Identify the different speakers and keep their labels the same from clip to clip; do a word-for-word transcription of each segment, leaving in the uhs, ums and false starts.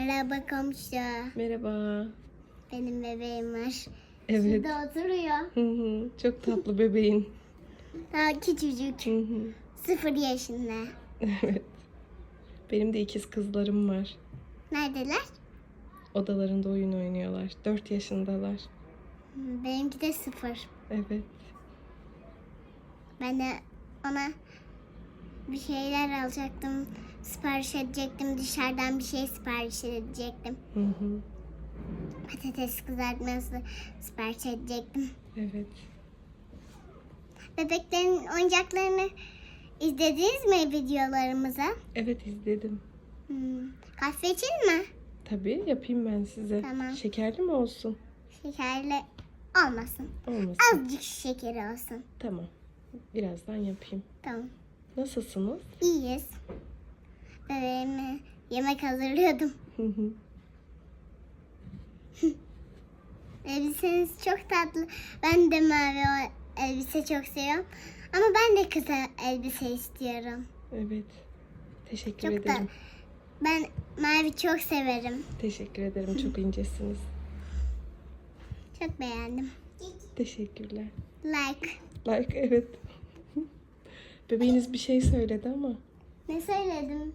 Speaker 1: Merhaba komşu.
Speaker 2: Merhaba.
Speaker 1: Benim bebeğim var.
Speaker 2: Evet.
Speaker 1: Şurada oturuyor.
Speaker 2: Hı hı. Çok tatlı bebeğin.
Speaker 1: Daha küçücük.
Speaker 2: Hı hı.
Speaker 1: Sıfır yaşında.
Speaker 2: Evet. Benim de ikiz kızlarım var.
Speaker 1: Neredeler?
Speaker 2: Odalarında oyun oynuyorlar. Dört yaşındalar.
Speaker 1: Hmm, Benimki de sıfır.
Speaker 2: Evet.
Speaker 1: Ben de ona bir şeyler alacaktım. Sipariş edecektim. Dışarıdan bir şey sipariş edecektim.
Speaker 2: Hı hı.
Speaker 1: Patates kızartması sipariş edecektim.
Speaker 2: Evet.
Speaker 1: Bebeklerin oyuncaklarını izlediniz mi videolarımıza?
Speaker 2: Evet izledim.
Speaker 1: Hmm. Kahve için mi?
Speaker 2: Tabii yapayım ben size.
Speaker 1: Tamam.
Speaker 2: Şekerli mi olsun?
Speaker 1: Şekerli olmasın.
Speaker 2: Olmasın.
Speaker 1: Azıcık şekeri olsun.
Speaker 2: Tamam. Birazdan yapayım.
Speaker 1: Tamam.
Speaker 2: Nasılsınız?
Speaker 1: İyiyiz. Bebeğime yemek hazırlıyordum.
Speaker 2: Hı hı.
Speaker 1: Elbiseniz çok tatlı. Ben de mavi o elbise çok seviyorum. Ama ben de kısa elbise istiyorum.
Speaker 2: Evet. Teşekkür
Speaker 1: Çok da
Speaker 2: ederim.
Speaker 1: ben mavi çok severim.
Speaker 2: Teşekkür ederim. Çok incesiniz.
Speaker 1: Çok beğendim.
Speaker 2: Teşekkürler.
Speaker 1: Like.
Speaker 2: Like evet. Bebeğiniz bir şey söyledi ama.
Speaker 1: Ne söyledim?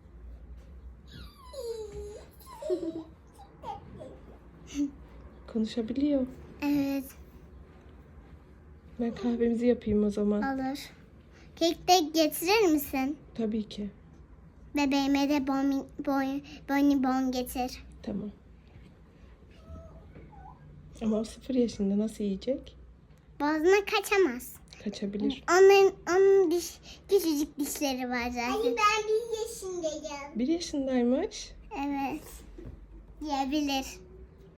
Speaker 2: Konuşabiliyor.
Speaker 1: Evet,
Speaker 2: Ben kahvemizi yapayım o zaman.
Speaker 1: olur. Kek de getirir misin?
Speaker 2: Tabii ki.
Speaker 1: Bebeğime de bon, bon, bonibon getir.
Speaker 2: Tamam. Ama o sıfır yaşında nasıl yiyecek?
Speaker 1: Boğazına kaçamaz.
Speaker 2: Kaçabilir.
Speaker 1: Onların onun diş, küçücük dişleri var zaten. Hayır, ben bir yaşındayım.
Speaker 2: Bir yaşındaymış.
Speaker 1: Evet. Yiyebilir.